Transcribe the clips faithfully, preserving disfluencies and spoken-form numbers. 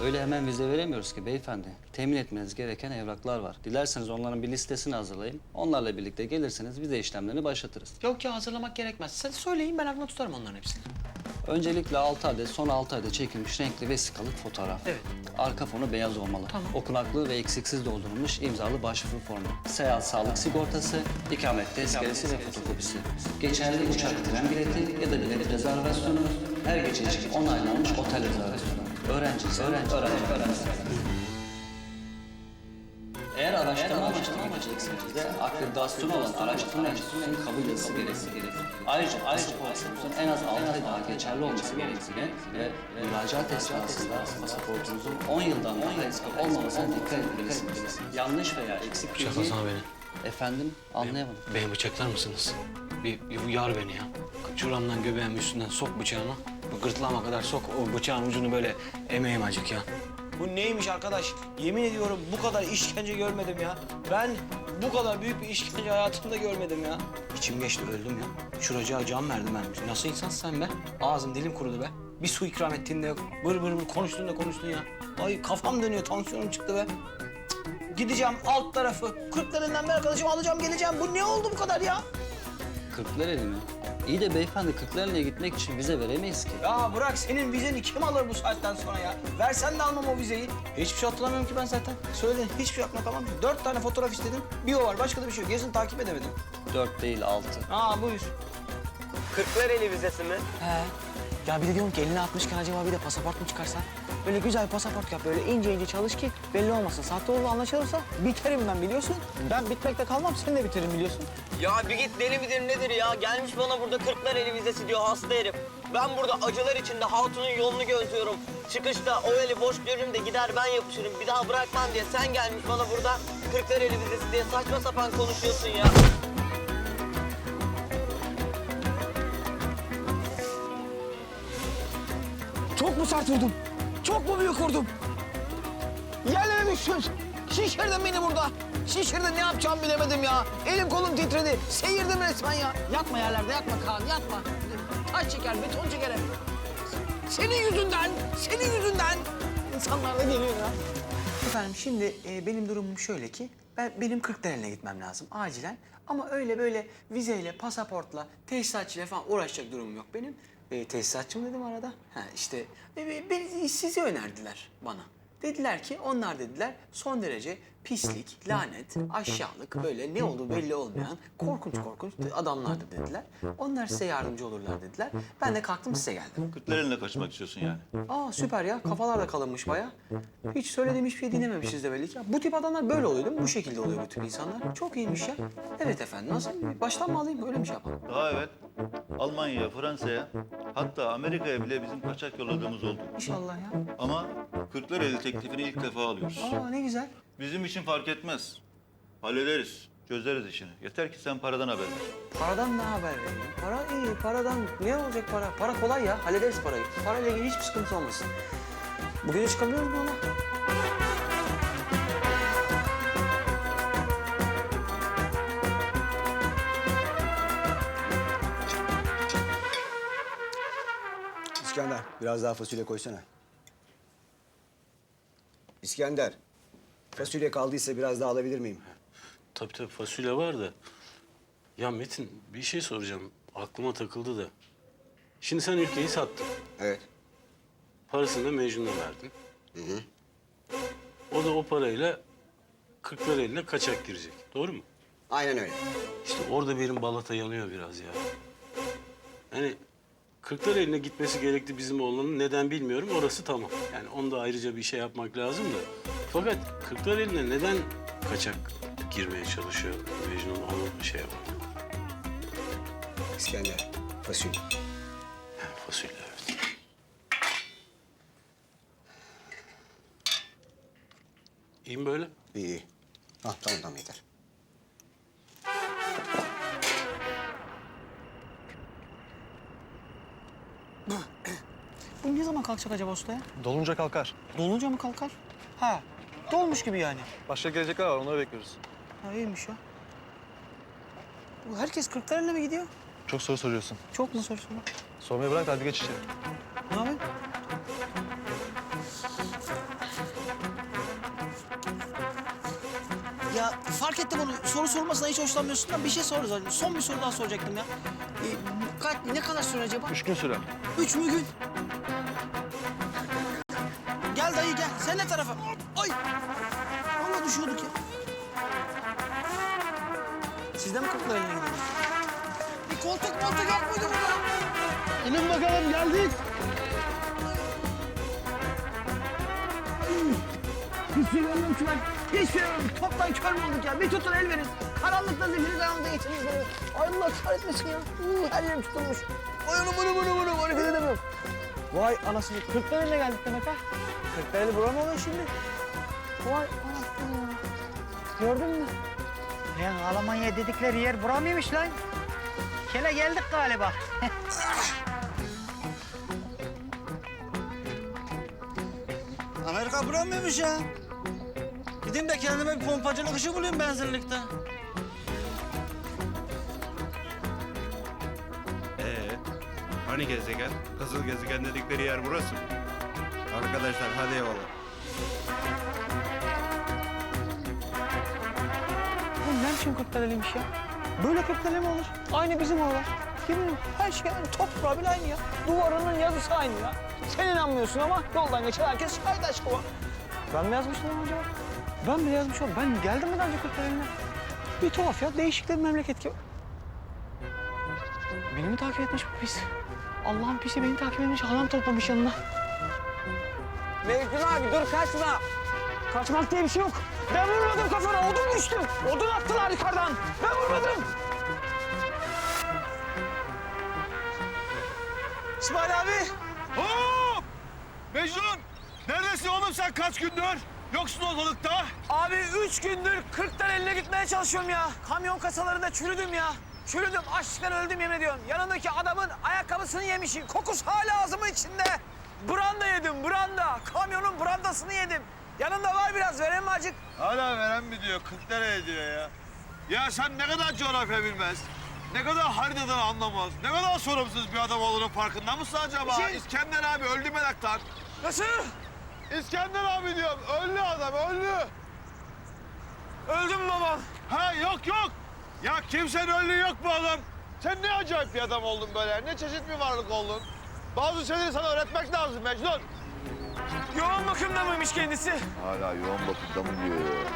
Öyle hemen vize veremiyoruz ki beyefendi. Temin etmeniz gereken evraklar var. Dilerseniz onların bir listesini hazırlayayım. Onlarla birlikte gelirseniz vize işlemlerini başlatırız. Yok ya, hazırlamak gerekmez. Sen söyleyin, ben aklımda tutarım onların hepsini. Öncelikle altı adet, son altı adet çekilmiş renkli vesikalık fotoğraf. Evet. Arka fonu beyaz olmalı. Tamam. Okunaklı ve eksiksiz doldurulmuş imzalı başvuru formu. Seyahat sağlık sigortası, ikamet tezkeresi ve fotokopisi. Geçerli uçak tren bileti ya da bilet rezervasyonu, her gece için onaylanmış otel rezervasyonu. Öğrencisi, öğrenci, öğrenci, öğrenci. Eğer araştırma amaçlı gidecekseniz de akreditasyonu olan araştırma enstitüsünün kabul yazısı gerekir. Ayrıca pasaportunuzun en az altı ay daha geçerli olması gerektiğine ve müracaat esnasında pasaportunuzun on yıldan daha eski olmamasına dikkat etmelisiniz. Yanlış veya eksik bilgi... Bıçaklasana beni. Efendim, anlayamadım. Beni bıçaklar mısınız? Bir, bir uyar beni ya. Şuramdan göbeğimin üstünden sok bıçağını. Bu gırtlağıma kadar sok, o bıçağın ucunu böyle emeğim acık ya. Bu neymiş arkadaş? Yemin ediyorum bu kadar işkence görmedim ya. Ben bu kadar büyük bir işkence hayatımda görmedim ya. İçim geçti, öldüm ya. Şuracığa can verdim ben. Nasıl insansın sen be? Ağzım dilim kurudu be. Bir su ikram ettiğinde yok. Bır bır bır konuştun da konuştun ya. Ay kafam dönüyor, tansiyonum çıktı be. Cık. Gideceğim alt tarafı. Kırklarından bir arkadaşımı alacağım, geleceğim. Bu ne oldu bu kadar ya? Kırklareli mi? İyi de beyefendi Kırklareli'ne gitmek için vize veremeyiz ki. Ya bırak, senin vizeni kim alır bu saatten sonra ya? Versen de almam o vizeyi. Hiçbir şey hatırlamıyorum ki ben zaten. Söyle, hiçbir şey aklıma kalmadı. Dört tane fotoğraf istedim. Bir o var, başka da bir şey yok. Gerisini takip edemedim. Dört değil, altı. Aa buyur. Kırklareli vizesi mi? He. Ya bir de diyorum ki eline atmışken acaba bir de pasaport mu çıkarsan? Böyle güzel bir pasaport yap, böyle ince ince çalış ki belli olmasın. Sahte olduğu anlaşılırsa biterim ben, biliyorsun. Ben bitmekte kalmam, sen de biterim biliyorsun. Ya bir git, deli midir nedir ya? Gelmiş bana burada Kırklareli vizesi diyor, hasta herif. Ben burada acılar içinde hatunun yolunu gözlüyorum. Çıkışta o eli boş görürüm de gider ben yapışırım. Bir daha bırakmam diye sen gelmiş bana burada Kırklareli vizesi diye saçma sapan konuşuyorsun ya. Çok mu sert vurdum? Çok mu büyük vurdum? Yerlere düştüm. Şişirdin beni burada. Şişirdin, ne yapacağımı bilemedim ya. Elim kolum titredi. Seyirdim resmen ya. Yatma yerlerde, yatma Kaan, yatma. Taş çeker, beton çeker hep. Senin yüzünden, senin yüzünden. İnsanlar da geliyor ya. Efendim şimdi e, benim durumum şöyle ki, ben benim Kırklareli'ne gitmem lazım acilen. Ama öyle böyle vizeyle, pasaportla, tesisatçıyla falan uğraşacak durumum yok benim. E, tesisatçı mı dedim arada? Ha işte e, beni, sizi önerdiler bana. Dediler ki, onlar dediler son derece pislik, lanet, aşağılık, böyle ne olduğu belli olmayan korkunç korkunç adamlardı dediler. Onlar size yardımcı olurlar dediler. Ben de kalktım size geldim. Kırklareli'ne kaçmak istiyorsun yani. Aa süper ya, kafalar da kalınmış bayağı. Hiç söylediğim hiçbir şey dinlememişiz de belli ki. Bu tip adamlar böyle oluyor değil mi? Bu şekilde oluyor bu tip insanlar. Çok iyiymiş ya. Evet efendim, nasıl? Baştan mı alayım, öyle mi şey yapalım? Daha evet. Almanya'ya, Fransa'ya, hatta Amerika'ya bile bizim kaçak yolladığımız oldu. İnşallah ya. Ama Kırklareli teklifini ilk defa alıyoruz. Aa ne güzel. Bizim için fark etmez. Hallederiz, çözeriz işini. Yeter ki sen paradan haber ver. Paradan ne haber vereyim? Para iyi, paradan ne olacak para? Para kolay ya, hallederiz parayı. Parayla ilgili hiçbir sıkıntı olmasın. Bu gece çıkabiliyoruz mu ona? İskender, biraz daha fasulye koysana. İskender, fasulye kaldıysa biraz daha alabilir miyim? Tabii tabii fasulye var da. Ya Metin bir şey soracağım. Aklıma takıldı da. Şimdi sen ülkeyi sattın. Evet. Parasını da Mecnun'a verdin. Hı hı. O da o parayla Kırklareli'ne kaçak girecek. Doğru mu? Aynen öyle. İşte orada benim balata yanıyor biraz ya. Yani Kırklareli'ne gitmesi gerekti bizim oğlanın. Neden bilmiyorum. Orası tamam. Yani onda ayrıca bir şey yapmak lazım da. Fakat Kırklareli'ne neden kaçak girmeye çalışıyor Mecnun, onu şey yapar. İskender, fasulye. Yani fasulye evet. İyi mi böyle? İyi, iyi. Ah, tamam tamam yeter. Bu ne zaman kalkacak acaba usta ya? Dolunca kalkar. Dolunca mı kalkar? Ha, dolmuş gibi yani. Başka gelecekler var, onları bekliyoruz. Ha iyiymiş ya. Bu herkes Kırklareli'ne mi gidiyor? Çok soru soruyorsun. Çok mu soru soru? Sormayı bırak da hadi geç içeri. Ne yapayım? Ya fark ettim onu. Soru sormasına hiç hoşlanmıyorsun da bir şey sor. zaten. Son bir soru daha soracaktım ya. Ee, kaç, ne kadar süre acaba? Üç gün sürer. Üç mü gün? Gel dayı gel. Sen ne tarafa? Ay! Vallahi düşüyorduk ya. Siz de mi kapılar eline gidiyorsunuz? Bir koltuk moltuk yok muydu burada? İnin bakalım geldik. Hiç şey görmüyorum ki ben. Hiç şey görmüyorum. Toptan kör mü olduk ya? Bir tutun el verin. Karanlıkta zifiri karanlıkta geçiniz beni. Ay Allah kahretmesin ya. Uuu, her yerim tutulmuş. Ay anam anam anam anam. Hareket edemiyorum. Vay anasını. Kırklareli'ne geldik demek ha. Kırklareli bura mı oluyor şimdi? Vay anasını ya. Gördün mü? Lan Almanya dedikleri yer bura mıymış lan? Kele geldik galiba. Amerika bura mıymış ya? Gideyim de kendime bir pompacılık işi bulayım benzinlikte. Ee, hani gezegen? Kızıl gezegen dedikleri yer burası mı? Arkadaşlar hadi eyvallah. Oğlum ne biçim Kırklareli'ymiş ya? Böyle Kırklareli mi olur? Aynı bizim oralar. Yemin her şey aynı. Toprağı bile aynı ya. Duvarının yazısı aynı ya. Sen inanmıyorsun ama yoldan geçen herkes şahit aşkı var. Ben mi yazmıştım lan acaba? Ben mi yazmışım? Ben geldim mi daha önce Kırklareli'ne? Bir tuhaf ya. Değişik de bir memleket ki. Beni mi takip etmiş bu pis? Allah'ın pisi beni takip etmiş. Halam toplamış yanına. Mecnun abi dur kaçma. Kaçmak diye bir şey yok. Ben vurmadım kafana. Odun düştü. Odun attılar yukarıdan. Ben vurmadım. İsmail abi. Hop! Mecnun! Neredesin oğlum sen kaç gündür? Yoksun ortalıkta. Abi üç gündür Kırklareli'ne gitmeye çalışıyorum ya. Kamyon kasalarında çürüdüm ya. Çürüdüm, açlıktan öldüm yemin ediyorum. Yanındaki adamın ayakkabısını yemişim. Kokusu hala ağzımın içinde. Branda yedim, branda. Kamyonun brandasını yedim. Yanında var biraz, vereyim mi acık? Hala veren mi diyor, kırk liraya diyor ya. Ya sen ne kadar coğrafya bilmez, ne kadar haritadan anlamaz, ne kadar sorumsuz bir adam olduğunun farkında mısın acaba? Şey- İskender abi öldü meraktan. Nasıl? İskender abi diyorum, öldü adam, öldü. Öldüm babam. Ha yok yok. Ya kimsenin öldüğü yok bu adam. Sen ne acayip bir adam oldun böyle, ne çeşit bir varlık oldun. Bazı şeyleri sana öğretmek lazım Mecnun. Yoğun bakımda mıymış kendisi? Hala yoğun bakımda mı diyor ya?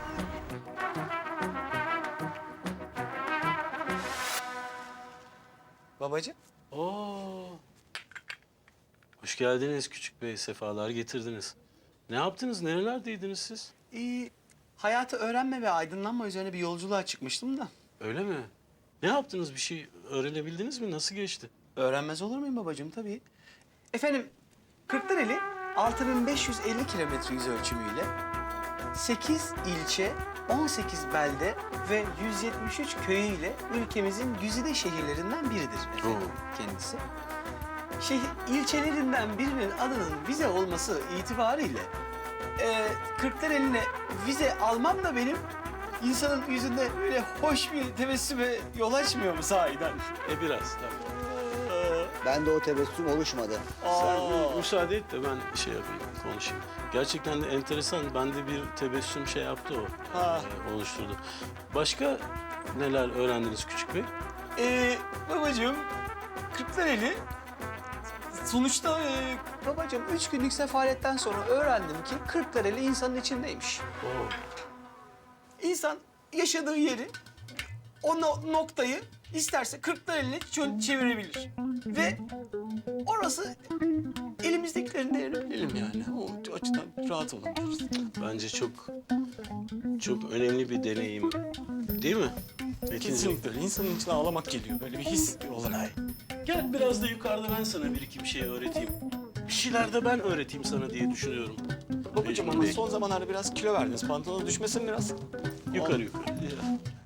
Babacığım. Oo. Hoş geldiniz küçük bey, sefalar getirdiniz. Ne yaptınız, nerelerdeydiniz siz? Ee, hayatı öğrenme ve aydınlanma üzerine bir yolculuğa çıkmıştım da. Öyle mi? Ne yaptınız, bir şey öğrenebildiniz mi? Nasıl geçti? Öğrenmez olur muyum babacığım tabii. Efendim, Kırklareli altı bin beş yüz elli kilometre yüz ölçümüyle sekiz ilçe, on sekiz belde ve yüz yetmiş üç köyüyle ülkemizin güzide şehirlerinden biridir efendim kendisi. Şehir, ilçelerinden birinin adının vize olması itibariyle e, Kırklareli'ne vize almam da benim insanın yüzünde böyle hoş bir tebessüme yol açmıyor mu sahiden? E biraz tabii. Ben de o tebessüm oluşmadı. Sen bir müsaade et de ben şey yapayım, konuşayım. Gerçekten de enteresan, bende bir tebessüm şey yaptı o, Ha. e, oluşturdu. Başka neler öğrendiniz küçük bey? Ee, babacığım, Kırklareli sonuçta e, babacığım üç günlük sefaletten sonra öğrendim ki Kırklareli insanın içindeymiş. Oo. İnsan yaşadığı yeri, o no- noktayı isterse Kırklareli'ne çö- çevirebilir. Ve orası elimizdekilerin değerini bilelim yani. O açıdan rahat olabiliriz. Bence çok çok önemli bir deneyim, değil mi? Kesinlikle öyle. İnsanın içine ağlamak geliyor. Böyle bir his olarak. Gel biraz da yukarıda ben sana bir iki bir şey öğreteyim. Bir şeyler de ben öğreteyim sana diye düşünüyorum. Babacığım Mecnun ama Bey. son zamanlarda biraz kilo verdiniz. Pantolonu düşmesin biraz. Yukarı yukarı.